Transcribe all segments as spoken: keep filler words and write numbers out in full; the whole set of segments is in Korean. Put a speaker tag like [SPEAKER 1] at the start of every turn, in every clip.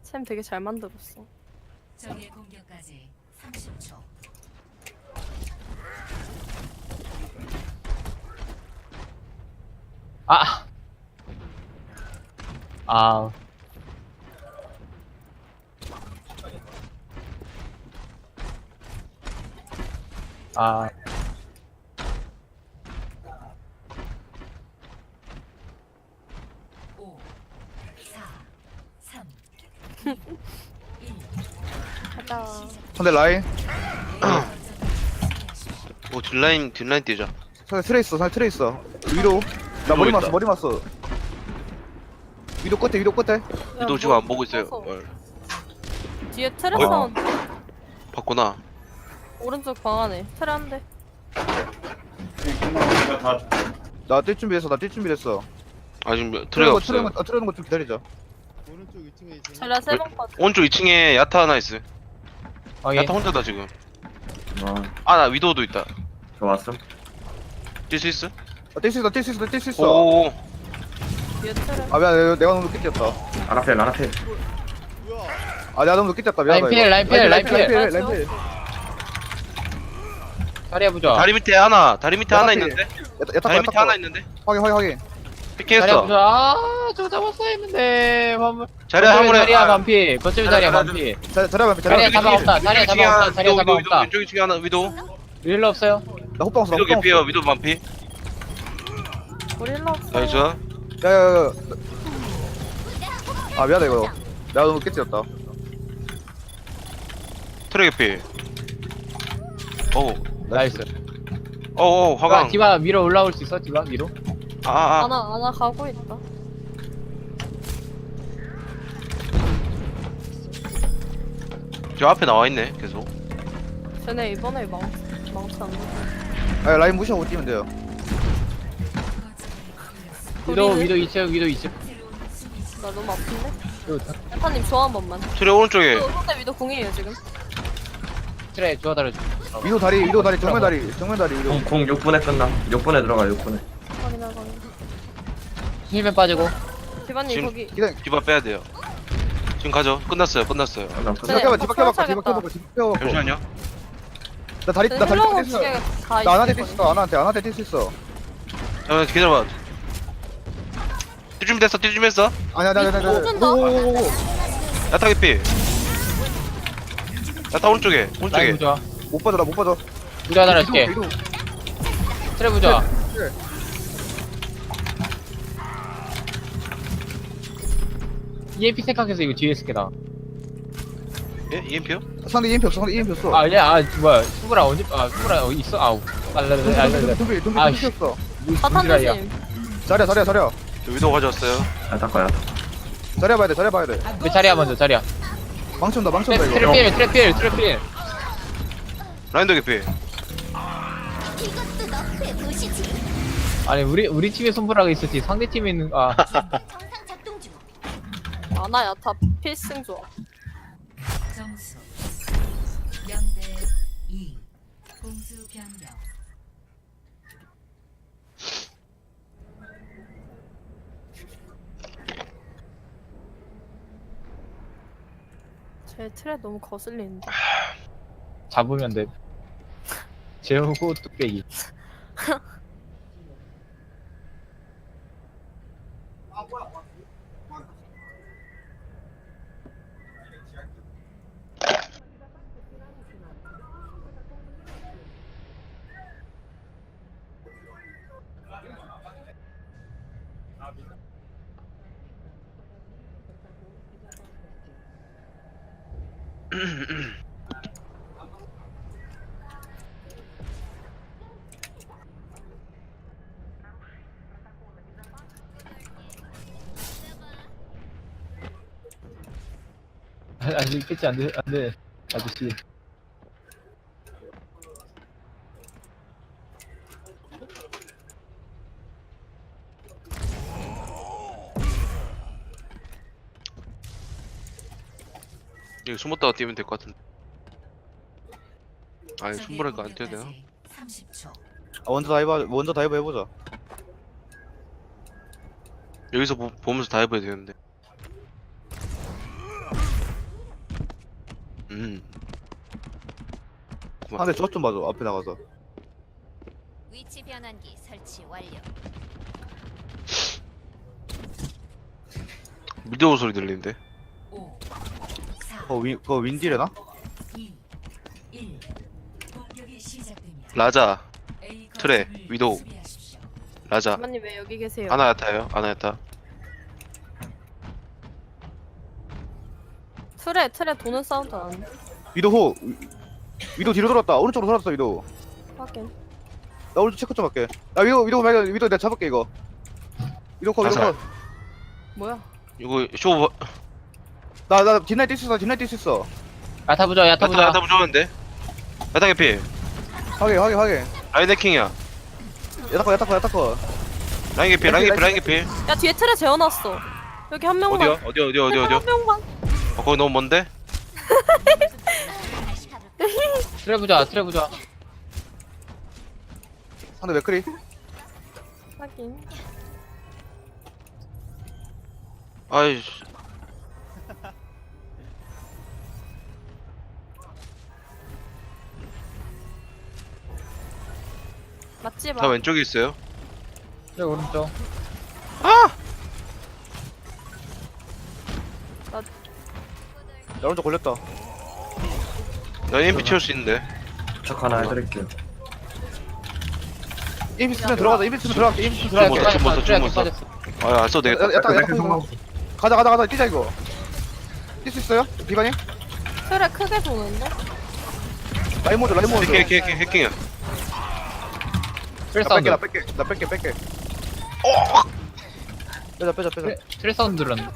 [SPEAKER 1] 샘 되게 잘 만들었어.
[SPEAKER 2] 적의 공격까지 삼십 초.
[SPEAKER 3] 아. 아. 아.
[SPEAKER 2] 오, 사, 삼,
[SPEAKER 1] 가자.
[SPEAKER 4] 상대 라인.
[SPEAKER 5] 오 뒷라인 뒷라인 뛰자.
[SPEAKER 4] 상대 트레 있어. 상대 트레 있어. 위로. 나 머리
[SPEAKER 5] 있다.
[SPEAKER 4] 맞어. 머리 맞어. 위로 끝에. 위로 끝에.
[SPEAKER 5] 위도 지금 안 보고 있어요. 어,
[SPEAKER 1] 뒤에 트레
[SPEAKER 5] 어.
[SPEAKER 1] 사운드.
[SPEAKER 5] 봤구나.
[SPEAKER 1] 오른쪽 방 안에 트레 한 대.
[SPEAKER 4] 나 뛸 준비됐어. 나 뛸 준비됐어.
[SPEAKER 5] 아 지금 트레가 없어요.
[SPEAKER 4] 트레는 거, 트레는 거좀 기다리자.
[SPEAKER 6] 오른쪽 이 층에 있어.
[SPEAKER 1] 자리야 세번 빠져.
[SPEAKER 5] 오른쪽 이 층에 야타 하나 있어.
[SPEAKER 3] 확인.
[SPEAKER 5] 야타 혼자다 지금.
[SPEAKER 7] 어,
[SPEAKER 5] 아 나 위도도 있다.
[SPEAKER 7] 좋았어.
[SPEAKER 5] 뛸 수 있어?
[SPEAKER 4] 뛸 수 있어. 뛸 수 있어. 뛸 수 있어.
[SPEAKER 5] 오오오.
[SPEAKER 1] 뒤에 트레.
[SPEAKER 4] 아 미안. 내가, 내가 너무 늦게 뛰었다.
[SPEAKER 7] 아나필, 아나필.
[SPEAKER 4] 아 내가 너무 늦게 뛰었다. 미안하다.
[SPEAKER 3] 라인 필, 라인
[SPEAKER 4] 이거.
[SPEAKER 3] 필,
[SPEAKER 4] 라인 필.
[SPEAKER 3] 라인
[SPEAKER 4] 라인 필. 라인 필.
[SPEAKER 3] 자리 해보자.
[SPEAKER 5] 다리 밑에 하나. 다리 밑에 하나
[SPEAKER 4] 야타
[SPEAKER 5] 있는데.
[SPEAKER 4] 야타 야타
[SPEAKER 5] 다리 밑에 하나 있는데.
[SPEAKER 4] 확인 확인 확인.
[SPEAKER 3] 자리
[SPEAKER 5] 피킹했어.
[SPEAKER 3] 해보자. 아, 저 잡았어야 했는데. 화물.
[SPEAKER 5] 자리
[SPEAKER 3] 거점에
[SPEAKER 5] 한번에
[SPEAKER 3] 자리야 반피. 거점에 자리야 반피.
[SPEAKER 4] 자 자리야 자리야.
[SPEAKER 3] 자리야 잡아 없다. 자리야 잡아 없다. 자리야 잡아 없다.
[SPEAKER 5] 왼쪽 이 층에 하나 위도.
[SPEAKER 3] 일 없어요.
[SPEAKER 4] 나 호빵 없어. 나
[SPEAKER 5] 위도
[SPEAKER 4] 호빵
[SPEAKER 5] 개피요.
[SPEAKER 4] 없어.
[SPEAKER 5] 위도 반피.
[SPEAKER 1] 우리 일로 없어.
[SPEAKER 5] 나이스.
[SPEAKER 4] 야야야. 아 미안해 이거. 내가 너무 늦게 뛰었다.
[SPEAKER 5] 트레 개피. 어우.
[SPEAKER 3] 나이스.
[SPEAKER 5] 어우
[SPEAKER 3] 디바,
[SPEAKER 5] 화강.
[SPEAKER 3] 디바 위로 올라올 수 있어? 디바 위로?
[SPEAKER 5] 아아.
[SPEAKER 1] 하나 하나 가고 있다.
[SPEAKER 5] 저 앞에 나와 있네 계속.
[SPEAKER 1] 쟤네 이번에 망 망치 안 돼.
[SPEAKER 4] 아 라인 무시하고 뛰면 돼요.
[SPEAKER 3] 위도
[SPEAKER 1] 우리는?
[SPEAKER 3] 위도 이 층 위도 이 층.
[SPEAKER 1] 나 너무 아픈데?
[SPEAKER 3] 요
[SPEAKER 1] 대파님 좋아 한 번만.
[SPEAKER 5] 트레 오른쪽에.
[SPEAKER 1] 또 상대 위도 공이에요 지금.
[SPEAKER 3] 트레 주워달려.
[SPEAKER 4] 위도 다리 위도 다리 정면 다리 정면 다리 위도.
[SPEAKER 7] 공, 공 육 분에 끝나. 육 분에 들어가, 육 분에.
[SPEAKER 1] 확인하 확인.
[SPEAKER 3] 힐맨 빠지고.
[SPEAKER 1] 디바님
[SPEAKER 5] 지금-
[SPEAKER 1] 거기.
[SPEAKER 4] 기다려.
[SPEAKER 5] 디바 빼야 돼요. 지금 가죠. 끝났어요. 끝났어요.
[SPEAKER 7] 아, 나
[SPEAKER 1] 네.
[SPEAKER 7] 끝나.
[SPEAKER 4] 뒤바퀴 뒤바퀴
[SPEAKER 1] 어,
[SPEAKER 4] 뒤바퀴 뒤바퀴 뒤바퀴.
[SPEAKER 5] 잠시만요.
[SPEAKER 4] 나 다리 나 다리
[SPEAKER 1] 힐러공
[SPEAKER 4] 뛸수
[SPEAKER 1] 두개
[SPEAKER 4] 있어.
[SPEAKER 1] 다
[SPEAKER 4] 나 안한테
[SPEAKER 1] 있을
[SPEAKER 4] 뛸수 있어. 안한테 안한테 뛸수 있어.
[SPEAKER 5] 잠깐만 기다려봐. 뛸 준비됐어. 뛸 준비했어.
[SPEAKER 4] 아니야 아니야 아니야.
[SPEAKER 1] 공 준다.
[SPEAKER 4] 오오오오.
[SPEAKER 5] 야타 개피. 야타 오른쪽에.
[SPEAKER 3] 라인
[SPEAKER 5] 오른쪽에.
[SPEAKER 3] 부좋아.
[SPEAKER 4] 못 빠져 나못 빠져.
[SPEAKER 3] 부좋아 달아줄게.
[SPEAKER 4] 위도, 위도.
[SPEAKER 3] 트레 부좋아.
[SPEAKER 4] 네.
[SPEAKER 3] 이엠피 생각해서 이거 뒤에 있을게 나.
[SPEAKER 5] 예? 이엠피요?
[SPEAKER 4] 상대 이엠피 없어. 상대 이엠피 없어.
[SPEAKER 3] 아 아니야 아 뭐야 수브라 언제 아 수브라 어디 있어 아우 알랄랄 알랄랄
[SPEAKER 4] 둠비 둠비
[SPEAKER 3] 아,
[SPEAKER 4] 둠비 없어.
[SPEAKER 1] 사탄
[SPEAKER 3] 무지라이야.
[SPEAKER 1] 조심.
[SPEAKER 4] 자리야 자리야 자리야.
[SPEAKER 5] 저 위도 가져왔어요.
[SPEAKER 7] 야, 닦아야.
[SPEAKER 4] 자리야 봐야 돼. 자리야 봐야 돼.
[SPEAKER 3] 내 자리야 먼저 자리야.
[SPEAKER 4] 망치 온다 망치 온다 이거.
[SPEAKER 3] 트래필 트래필 트래필.
[SPEAKER 5] 라인도 개피.
[SPEAKER 3] 아니 우리 우리 팀에 손브라가 있었지 상대 팀에 있는 아
[SPEAKER 1] 아나야 다 필승 좋아.
[SPEAKER 2] 점수 영 대 이. 공수 변경.
[SPEAKER 1] 제 트레 너무 거슬리는데.
[SPEAKER 3] 잡으면 돼. 재우고 뚝배기. 아직 끝이 안돼 안돼 아저씨.
[SPEAKER 5] 여기 숨었다가 뛰면 될 것 같은데. 아니 숨으니까 안 뛰어야 되나?
[SPEAKER 2] 삼십 초.
[SPEAKER 4] 아, 먼저 다이브 하자. 먼저 다이브 해보자.
[SPEAKER 5] 여기서 보, 보면서 다 해봐야 되는데. 음.
[SPEAKER 4] 상대 저것 좀 봐줘 앞에 나가서.
[SPEAKER 8] 위치 변환기 설치 완료.
[SPEAKER 5] 미디어 소리 들리는데.
[SPEAKER 2] 오, 사,
[SPEAKER 4] 그거 윈 그거 윈디래나?
[SPEAKER 2] 이, 일. 공격이 시작됩니다.
[SPEAKER 5] 라자,
[SPEAKER 2] A
[SPEAKER 5] 트레,
[SPEAKER 2] 거점을
[SPEAKER 5] 위도우.
[SPEAKER 2] 수비하십시오.
[SPEAKER 5] 라자.
[SPEAKER 1] 주마님 왜 여기 계세요?
[SPEAKER 5] 아나야타요. 아나야타.
[SPEAKER 1] 틀에 틀에 도는 사운드 안
[SPEAKER 4] 위도 호. 위- 위도 뒤로 돌았다. 오른쪽으로 돌았어 위도.
[SPEAKER 1] 확인.
[SPEAKER 4] 나 오른쪽 체크 좀 할게. 나 위도 위도 발견 위도 내가 잡을게 이거. 위도 컷 위도
[SPEAKER 5] 아살.
[SPEAKER 4] 컷.
[SPEAKER 1] 뭐야?
[SPEAKER 5] 이거 쇼
[SPEAKER 4] 나나 뒷라인 뛸수 있어. 뒷라인 뛸수 있어.
[SPEAKER 3] 야타 부자 야타
[SPEAKER 5] 야타
[SPEAKER 3] 부자.
[SPEAKER 5] 야타 부좋은데. 야타 개피.
[SPEAKER 4] 확인 확인 확인.
[SPEAKER 5] 라인 해킹이야.
[SPEAKER 4] 야타 컷 야타 컷 야타 컷.
[SPEAKER 5] 라인 개피. 라인 개피. 라인 개피.
[SPEAKER 1] 야 뒤에 틀에 재워놨어. 여기 한 명만.
[SPEAKER 5] 어디야? 어디 어디 어디 어디요?
[SPEAKER 1] 한 명만.
[SPEAKER 5] 어, 거기 너무 먼데?
[SPEAKER 8] 다시 가볼까?
[SPEAKER 3] 트레 부자 트레 부자.
[SPEAKER 4] 상대 맥크리.
[SPEAKER 1] 확인.
[SPEAKER 5] 아이씨.
[SPEAKER 1] 맞지
[SPEAKER 5] 다
[SPEAKER 1] 마.
[SPEAKER 5] 왼쪽에 있어요.
[SPEAKER 3] 트레 오른쪽.
[SPEAKER 5] 아!
[SPEAKER 4] 나 오른쪽 걸렸다.
[SPEAKER 5] 나 엠피 채울 수 있는데.
[SPEAKER 7] 척 하나 해드릴게요.
[SPEAKER 4] 이미 쓰면 들어가자. 이미 쓰면 들어갈게. 이미 쓰면
[SPEAKER 5] 좀
[SPEAKER 4] 들어갈게.
[SPEAKER 5] 못 써, 좀 못 써,
[SPEAKER 3] 트레
[SPEAKER 5] 좀 못 써.
[SPEAKER 3] 빠졌어.
[SPEAKER 5] 아, 안 써도 되겠다.
[SPEAKER 4] 야, 야타 야타
[SPEAKER 7] 맥크
[SPEAKER 4] 이거. 가자 가자 가자 뛰자 이거. 뛸 수 있어요? 비반이?
[SPEAKER 1] 틀에 크게 도는데?
[SPEAKER 4] 라인 모드 라인 모드.
[SPEAKER 5] 해킹, 해킹, 해킹, 해킹이야.
[SPEAKER 3] 트레
[SPEAKER 4] 나
[SPEAKER 3] 사운드.
[SPEAKER 4] 뺄게 나 뺄게 나 뺄게 뺄게. 빼자 빼자 빼자.
[SPEAKER 3] 트레, 트레 사운드 들었네.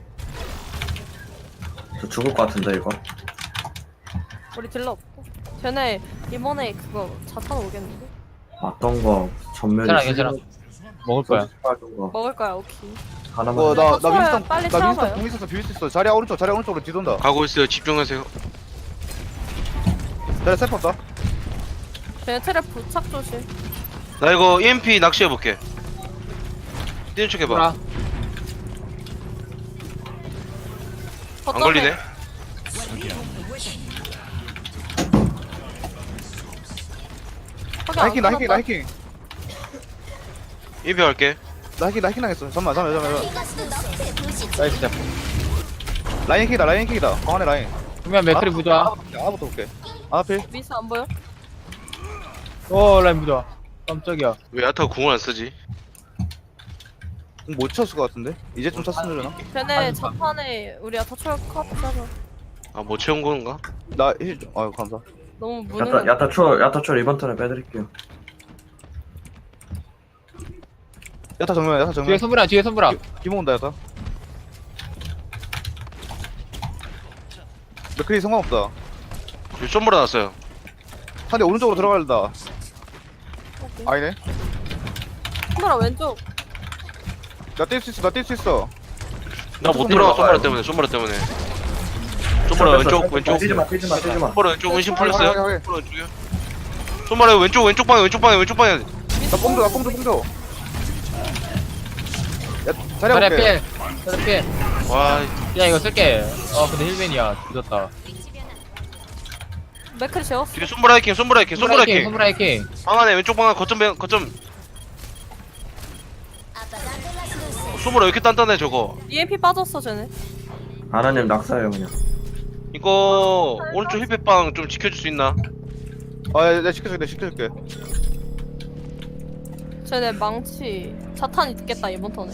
[SPEAKER 7] 저 죽을 것 같은데 이거.
[SPEAKER 1] 우리 딜러 없고. 쟤네 이번에 그거 자탄 오겠는데?
[SPEAKER 7] 어떤 거 전면이
[SPEAKER 3] 괜찮아 괜찮아. 먹을 거야.
[SPEAKER 7] 빠진 거
[SPEAKER 1] 먹을 거야 오케이.
[SPEAKER 7] 하나만.
[SPEAKER 4] 어, 나, 나
[SPEAKER 1] 쳐봐요.
[SPEAKER 4] 윈스턴,
[SPEAKER 1] 빨리
[SPEAKER 4] 나
[SPEAKER 1] 쳐봐요.
[SPEAKER 4] 윈스턴 공 있어서 비빌 수 있어. 자리야 오른쪽, 자리야 오른쪽으로 뒤돈다.
[SPEAKER 5] 가고 있어요. 집중하세요.
[SPEAKER 4] 자리야 세프 없다.
[SPEAKER 1] 쟤네 틀에 부착 조심.
[SPEAKER 5] 나 이거 이엠피 낚시해볼게. 뛰는 척 해봐.
[SPEAKER 3] 보라.
[SPEAKER 5] 안
[SPEAKER 1] 거점에
[SPEAKER 5] 걸리네.
[SPEAKER 1] 거기
[SPEAKER 4] 나
[SPEAKER 1] 안
[SPEAKER 4] 해킹, 나 해킹, 나
[SPEAKER 1] 걸었다.
[SPEAKER 4] 해킹.
[SPEAKER 5] 이엠피 할게.
[SPEAKER 4] 나 해킹, 나 해킹 당했어. 잠깐만, 잠깐만, 잠깐만.
[SPEAKER 8] 이것도 너의 도시.
[SPEAKER 3] 나이스 잡.
[SPEAKER 4] 라인 해킹이다, 라인 해킹이다. 광안의 라인.
[SPEAKER 3] 그러면 맥크리 부자.
[SPEAKER 4] 아부터 볼게. 아, 필.
[SPEAKER 1] 미스 안 보여?
[SPEAKER 3] 오 라인 부자. 깜짝이야.
[SPEAKER 5] 왜 야타가 궁을 안 쓰지?
[SPEAKER 4] 못 쳤을 것 같은데? 이제 좀 쳤으면 되나?
[SPEAKER 1] 쟤네
[SPEAKER 3] 아니,
[SPEAKER 1] 자탄에 우리 아타 초월 컷 짜자.
[SPEAKER 5] 아, 못 채운 건가?
[SPEAKER 4] 나 힐, 좀- 아유, 감사.
[SPEAKER 1] 너무
[SPEAKER 7] 야타
[SPEAKER 1] 무능한.
[SPEAKER 7] 야타 초 야타 초 이번 턴에 빼드릴게요.
[SPEAKER 4] 야타 정면, 야타
[SPEAKER 3] 뒤에
[SPEAKER 4] 정면.
[SPEAKER 3] 손브라 뒤에 손브라.
[SPEAKER 4] 기모 온다, 야타. 맥크리 상관없다.
[SPEAKER 5] 여기 좀 몰아놨어요.
[SPEAKER 4] 상대 오른쪽으로 들어갈다. 아니네.
[SPEAKER 1] 손보라 왼쪽.
[SPEAKER 4] 나 뛸 수 있어, 나 뛸 수 있어.
[SPEAKER 5] 나 못
[SPEAKER 7] 좀
[SPEAKER 5] 들어가.
[SPEAKER 7] 들어가요.
[SPEAKER 5] 솜브라 때문에. 솜브라 때문에. 솜브라 왼쪽, 왼쪽.
[SPEAKER 7] 뛰지 마 뛰지 마 뛰지 마.
[SPEAKER 5] 솜브라 왼쪽 은신
[SPEAKER 4] 확인,
[SPEAKER 5] 풀렸어요.
[SPEAKER 4] 확인, 확인.
[SPEAKER 5] 솜브라 왼쪽이요. 솜브라 왼쪽, 왼쪽 방에, 왼쪽 방에, 왼쪽 방에.
[SPEAKER 4] 나 뽕줘, 나 뽕줘, 뽕줘. 야, 자리야
[SPEAKER 3] 트레
[SPEAKER 4] 볼게.
[SPEAKER 3] 필. 트레 필.
[SPEAKER 5] 와,
[SPEAKER 3] 야 이거 쓸게. 어 근데 힐벤이야. 늦었다.
[SPEAKER 8] 위치 변환.
[SPEAKER 1] 맥크리 재웠어.
[SPEAKER 5] 뒤에 솜브라 해킹, 솜브라 해킹, 솜브라 해킹.
[SPEAKER 3] 손브라 해킹.
[SPEAKER 5] 방 안에 왼쪽 방 안에 거점, 배- 거점.
[SPEAKER 8] 아빠가
[SPEAKER 5] 솜브라 왜 이렇게 단단해, 저거.
[SPEAKER 1] 이엠피 빠졌어 쟤네.
[SPEAKER 7] 아나님 낙사예요 그냥.
[SPEAKER 5] 이거, 오른쪽 힐팩방 좀 지켜줄 수 있나?
[SPEAKER 4] 아, 야, 내가 시켜줄게, 내가 시켜줄게.
[SPEAKER 1] 쟤네 망치 자탄 있겠다 이번 턴에.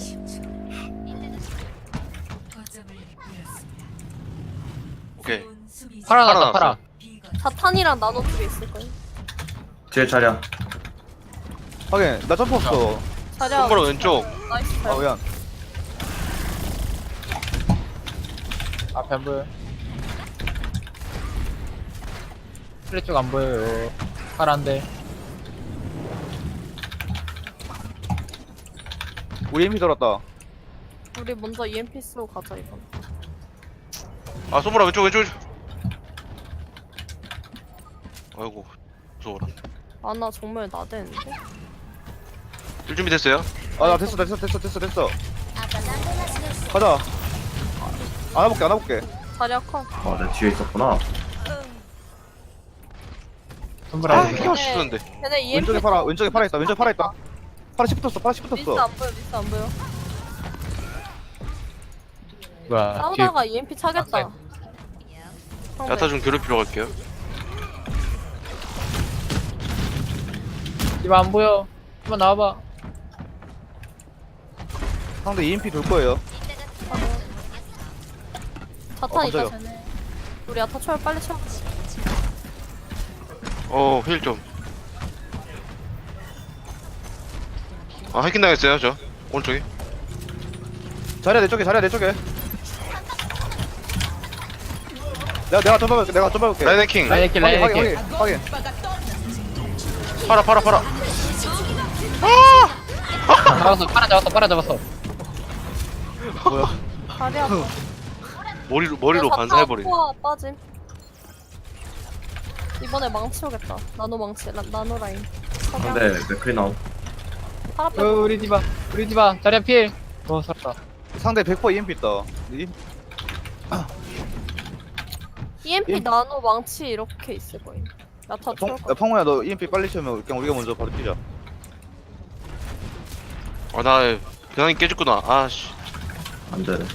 [SPEAKER 2] 거점을 잃었습니다.
[SPEAKER 5] 오케이.
[SPEAKER 2] 좋은 수비
[SPEAKER 3] 팔아
[SPEAKER 5] 팔아
[SPEAKER 3] 났다 팔아.
[SPEAKER 2] 비거점.
[SPEAKER 1] 자탄이랑 나노 쪽에 있을 거야.
[SPEAKER 7] 뒤에 자리야.
[SPEAKER 4] 확인, 나 점프 없어.
[SPEAKER 1] 자리야.
[SPEAKER 5] 솜브라 왼쪽.
[SPEAKER 1] 나이스.
[SPEAKER 4] 아, 미안.
[SPEAKER 3] 앞에 안 보여. 트레 쪽 안 보여요. 파란데.
[SPEAKER 4] 우리 힘이 들었다.
[SPEAKER 1] 우리 먼저 이엠피 쓰고 가자 이번.
[SPEAKER 5] 아, 솜브라 왼쪽, 왼쪽. 아이고, 무서워라.
[SPEAKER 1] 아나 정말 나대는데.
[SPEAKER 5] 일 준비 됐어요?
[SPEAKER 4] 아, 나 됐어, 됐어, 됐어, 됐어, 됐어.
[SPEAKER 8] 아빠가
[SPEAKER 4] 가자. 안아볼게, 안아볼게.
[SPEAKER 1] 자리야 컷.
[SPEAKER 7] 아내 뒤에 있었구나.
[SPEAKER 3] 손브라
[SPEAKER 5] 아
[SPEAKER 3] 이거.
[SPEAKER 5] 키워 싶었는데.
[SPEAKER 1] 쟤네 이엠피
[SPEAKER 4] 왼쪽에 팔아 왼쪽에 팔아 있다 왼쪽에 팔아 있다 팔아 십 붙었어 팔아 십
[SPEAKER 1] 미스
[SPEAKER 4] 붙었어
[SPEAKER 1] 안 보여 미스 안 보여.
[SPEAKER 3] 뭐야 뒤에
[SPEAKER 1] 싸우다가 이엠피 차겠다.
[SPEAKER 3] 아,
[SPEAKER 1] 상대.
[SPEAKER 5] 야타 좀 괴롭히러 갈게요.
[SPEAKER 3] 이거 안 보여. 한번 나와봐.
[SPEAKER 4] 상대 이엠피 돌 거예요
[SPEAKER 1] 자탄
[SPEAKER 4] 어,
[SPEAKER 1] 있다
[SPEAKER 4] 깜짝이야.
[SPEAKER 1] 쟤네. 우리 야타 초월 빨리 채워.
[SPEAKER 5] 어, 힐 좀. 아, 해킹 당했어요, 저. 오른쪽에.
[SPEAKER 4] 자리야 내 쪽에 자리야 내 쪽에 내가 내가 좀 봐볼게 내가 좀 봐볼게
[SPEAKER 5] 라인 해킹.
[SPEAKER 3] 라인 해킹 라인
[SPEAKER 4] 확인
[SPEAKER 3] 해킹.
[SPEAKER 4] 확인 확인
[SPEAKER 5] 팔아, 팔아, 팔아.
[SPEAKER 3] 잡았어. 팔아 잡았어. 팔아 잡았어.
[SPEAKER 4] 뭐야
[SPEAKER 1] 다리 아파.
[SPEAKER 5] 머리로, 머리로
[SPEAKER 1] 야,
[SPEAKER 5] 반사해버리네.
[SPEAKER 1] 자탄 포화 빠짐. 이번에 망치 오겠다. 나노 망치 라, 나노 라인.
[SPEAKER 7] 상대 맥크리 나옴.
[SPEAKER 1] 팔 앞에
[SPEAKER 3] 어, 우리 디바. 우리 디바. 자리야 필. 어 살았다.
[SPEAKER 4] 상대 백 퍼센트 이엠피 있다 이-
[SPEAKER 1] 이엠피
[SPEAKER 4] 예.
[SPEAKER 1] 나노 망치 이렇게 있을 거임. 야타
[SPEAKER 4] 펑,
[SPEAKER 1] 초월
[SPEAKER 4] 야,
[SPEAKER 1] 거.
[SPEAKER 4] 펑우야 너 이엠피 빨리 치면 그냥 우리가 먼저 바로 뛰자
[SPEAKER 5] 아, 나, 변환이 깨졌구나. 아, 씨.
[SPEAKER 7] 안 되네.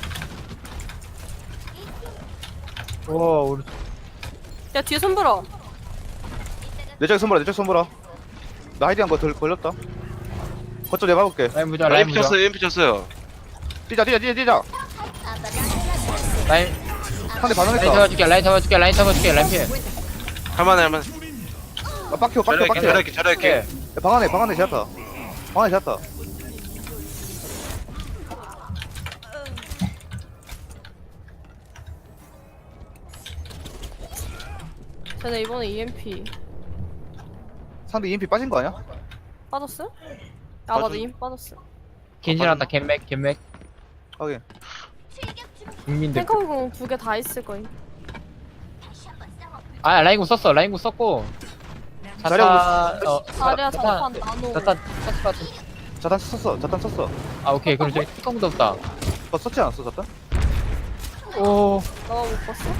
[SPEAKER 3] 와 우리
[SPEAKER 1] 야 뒤에 손불어.
[SPEAKER 4] 내 쪽에 손보라 내 쪽에 손보라 나 하이딩한 거덜 걸렸다 거점 내가 봐볼게
[SPEAKER 3] 라인 부자.
[SPEAKER 5] 아,
[SPEAKER 3] 라인
[SPEAKER 5] 엠피
[SPEAKER 3] 부자.
[SPEAKER 5] 쳤어요, 엠피 쳤어요.
[SPEAKER 4] 뛰자 뛰자 뛰자 뛰자
[SPEAKER 3] 라인
[SPEAKER 4] 상대
[SPEAKER 3] 라인
[SPEAKER 4] 반응했다
[SPEAKER 3] 잡아줄게. 라인 잡아줄게. 라인 잡아줄게. 라인 필.
[SPEAKER 5] 할만해, 할만해.
[SPEAKER 4] 아, 빡혀 빡혀
[SPEAKER 5] 잘해,
[SPEAKER 4] 빡혀
[SPEAKER 5] 잘해, 잘해,
[SPEAKER 3] 오케이.
[SPEAKER 4] 야, 방 안에 방 안에 제압다 방 안에 제압다
[SPEAKER 1] 쟤네 이번에 이엠피
[SPEAKER 4] 상대 이엠피 빠진 거 아니야?
[SPEAKER 1] 빠졌어? 아 맞아
[SPEAKER 5] 빠져.
[SPEAKER 1] 이엠피 빠졌어.
[SPEAKER 3] 겐지란다. 겐맥 겐맥.
[SPEAKER 4] 확인
[SPEAKER 3] 국민들.
[SPEAKER 1] 탱커공 두 개 다 있을 거임.
[SPEAKER 3] 아 라인구 썼어. 라인구 썼고.
[SPEAKER 4] 자리야,
[SPEAKER 3] 자탄 어
[SPEAKER 1] 자리야
[SPEAKER 3] 자탄
[SPEAKER 1] 자탄 나노.
[SPEAKER 3] 자탄 썼을 것 같은.
[SPEAKER 4] 자탄 썼어 자탄 썼어
[SPEAKER 3] 아 오케이. 그럼 저기 뚜껑도 없다.
[SPEAKER 4] 어 썼지 않았어 자탄?
[SPEAKER 3] 오.
[SPEAKER 1] 너가 못 봤어?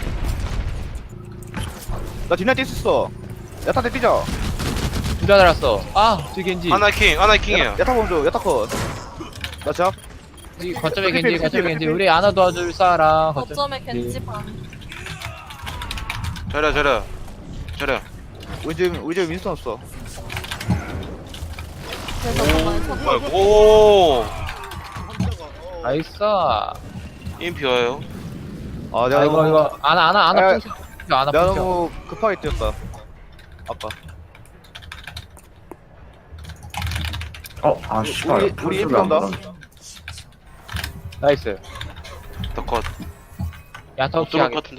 [SPEAKER 4] 나 뒷날 뛰었어 야타한테 뛰자
[SPEAKER 3] 부자 달았어. 아 뒤 겐지.
[SPEAKER 5] 하나 해킹, 하나 해킹이에요.
[SPEAKER 4] 야타 먼저 야타 컷나 제압
[SPEAKER 3] 이 거점에
[SPEAKER 4] 피피,
[SPEAKER 3] 겐지.
[SPEAKER 4] 피피,
[SPEAKER 3] 거점에
[SPEAKER 4] 피피.
[SPEAKER 3] 겐지. 우리 안아 도와줄 사람.
[SPEAKER 1] 거점에 겐지 반.
[SPEAKER 5] 잘해, 잘해. 잘해.
[SPEAKER 4] 우리 지금 우리 지금 윈스턴 없어
[SPEAKER 1] 그래서 정말 첫
[SPEAKER 5] 뭐야, 오!
[SPEAKER 3] 나이스.
[SPEAKER 5] 엠피 와요.
[SPEAKER 4] 아 내가
[SPEAKER 3] 아 이거
[SPEAKER 4] 너무,
[SPEAKER 3] 이거 안아 안아 안아
[SPEAKER 4] 아,
[SPEAKER 3] 푸시. 안아
[SPEAKER 4] 내가
[SPEAKER 3] 푸시.
[SPEAKER 4] 너무 급하게 뛰었다 아까
[SPEAKER 7] 어, 아 씨발.
[SPEAKER 4] 우리- 우리
[SPEAKER 7] 풀숲이 안
[SPEAKER 4] 인피 온다.
[SPEAKER 7] 보여.
[SPEAKER 3] 나이스.
[SPEAKER 5] 더 컷.
[SPEAKER 3] 야타
[SPEAKER 5] 못
[SPEAKER 3] 없이
[SPEAKER 5] 들어올
[SPEAKER 3] 하게.
[SPEAKER 5] 것 같은데.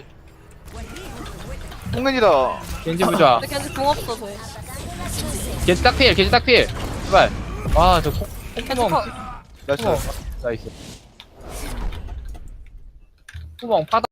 [SPEAKER 4] 홍맨이다
[SPEAKER 3] 겐지 부자.
[SPEAKER 1] 근데 겐지 공 없어 저희.
[SPEAKER 3] 겐지 딱필. 겐지 딱필. 제발. 와저
[SPEAKER 1] 겐지
[SPEAKER 3] 콧구멍.
[SPEAKER 1] 컷.
[SPEAKER 4] 나이스
[SPEAKER 3] 콧구멍. 나이스. 구멍 파다.